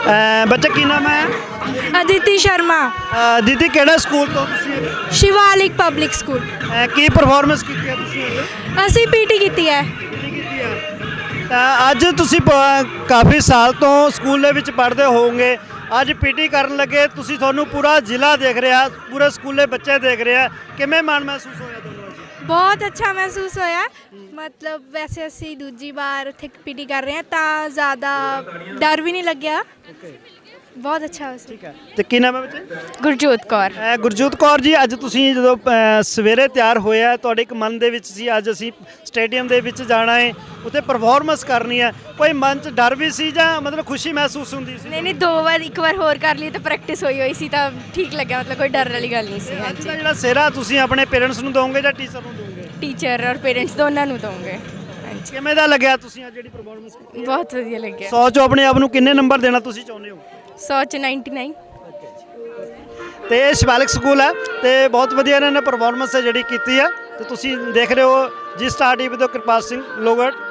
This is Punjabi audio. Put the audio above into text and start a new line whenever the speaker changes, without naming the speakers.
ਬੱਚਾ ਕੀ ਨਾਮ ਹੈ?
अदिति शर्मा
ਦੀਦੀ ਕਿਹੜਾ ਸਕੂਲ ਤੋਂ ਤੁਸੀਂ?
Shivalik public school.
ਕੀ ਪਰਫਾਰਮੈਂਸ ਕੀਤੀ ਹੈ ਤੁਸੀਂ?
ਅਸੀਂ पीटी ਕੀਤੀ ਹੈ।
ਕੀਤੀ ਹੈ ਤਾਂ ਅੱਜ ਤੁਸੀਂ ਕਾਫੀ ਸਾਲ ਤੋਂ ਸਕੂਲ ਦੇ ਵਿੱਚ ਪੜ੍ਹਦੇ ਹੋਵੋਗੇ, ਅੱਜ ਪੀਟੀ ਕਰਨ ਲੱਗੇ ਤੁਸੀਂ, ਤੁਹਾਨੂੰ ਪੂਰਾ ਜ਼ਿਲ੍ਹਾ ਦੇਖ ਰਿਹਾ, ਪੂਰੇ ਸਕੂਲੇ ਬੱਚੇ ਦੇਖ ਰਿਹਾ, ਕਿਵੇਂ ਮਨ ਮਹਿਸੂਸ ਹੋਇਆ ਤੁਹਾਨੂੰ ਅੱਜ?
ਬਹੁਤ ਅੱਛਾ ਮਹਿਸੂਸ ਹੋਇਆ। ਮਤਲਬ ਵੈਸੇ ਅਸੀਂ ਦੂਜੀ ਵਾਰ ਉੱਥੇ ਪੀਟੀ ਕਰ ਰਹੇ ਹਾਂ ਤਾਂ ਜ਼ਿਆਦਾ ਡਰ ਵੀ ਨਹੀਂ ਲੱਗਿਆ। ਬਹੁਤ ਅੱਛਾ ਹੋਇਆ।
ਠੀਕ ਹੈ, ਤੇ ਕੀ ਨਾਮ ਹੈ ਬੱਚੇ?
ਗੁਰਜੋਤ ਕੌਰ।
ਗੁਰਜੋਤ ਕੌਰ ਜੀ, ਅੱਜ ਤੁਸੀਂ ਜਦੋਂ ਸਵੇਰੇ ਤਿਆਰ ਹੋਇਆ, ਤੁਹਾਡੇ ਇੱਕ ਮਨ ਦੇ ਵਿੱਚ ਸੀ ਅੱਜ ਅਸੀਂ ਸਟੇਡੀਅਮ ਦੇ ਵਿੱਚ ਜਾਣਾ ਹੈ, ਉੱਥੇ ਪਰਫਾਰਮੈਂਸ ਕਰਨੀ ਹੈ, ਕੋਈ ਮਨ 'ਚ ਡਰ ਵੀ ਸੀ ਜਾਂ ਮਤਲਬ ਖੁਸ਼ੀ ਮਹਿਸੂਸ ਹੁੰਦੀ ਸੀ?
ਨਹੀਂ ਦੋ ਵਾਰ, ਇੱਕ ਵਾਰ ਹੋਰ ਕਰ ਲਈ ਤਾਂ ਪ੍ਰੈਕਟਿਸ ਹੋਈ ਸੀ ਤਾਂ ਠੀਕ ਲੱਗਿਆ, ਮਤਲਬ ਕੋਈ ਡਰ ਵਾਲੀ ਗੱਲ ਨਹੀਂ ਸੀ।
ਅੱਜ ਦਾ ਜਿਹੜਾ ਸਿਹਰਾ ਤੁਸੀਂ ਆਪਣੇ ਪੇਰੈਂਟਸ ਨੂੰ ਦੋਗੇ ਜਾਂ ਟੀਚਰ ਨੂੰ ਦੋਗੇ?
ਟੀਚਰ ਔਰ ਪੇਰੈਂਟਸ ਦੋਨਾਂ ਨੂੰ ਦਵਾਂਗੇ। ਹਾਂਜੀ,
ਕਿਵੇਂ ਦਾ ਲੱਗਿਆ ਤੁਸੀਂ ਅੱਜ ਜਿਹੜੀ ਪਰਫਾਰਮੈਂਸ ਕੀਤੀ?
ਬਹੁਤ ਵਧੀਆ ਲੱਗਿਆ।
100 ਚੋਂ ਆਪਣੇ ਆਪ ਨੂੰ ਕਿੰਨੇ ਨੰਬਰ ਦੇਣਾ ਤੁਸੀਂ ਚਾਹੁੰਦੇ ਹੋ?
100 ਚ 99।
ਤੇ ਇਹ ਸ਼ਿਵਾਲਿਕ ਸਕੂਲ ਹੈ ਤੇ ਬਹੁਤ ਵਧੀਆ ਇਹਨਾਂ ਨੇ ਪਰਫਾਰਮੈਂਸ ਜਿਹੜੀ ਕੀਤੀ ਹੈ, ਤੇ ਤੁਸੀਂ ਦੇਖ ਰਹੇ ਹੋ ਜੀ ਸਟਾਰ ਟੀਵੀ ਤੋਂ ਕਿਰਪਾਲ ਸਿੰਘ ਲੋਹਗੜ੍ਹ।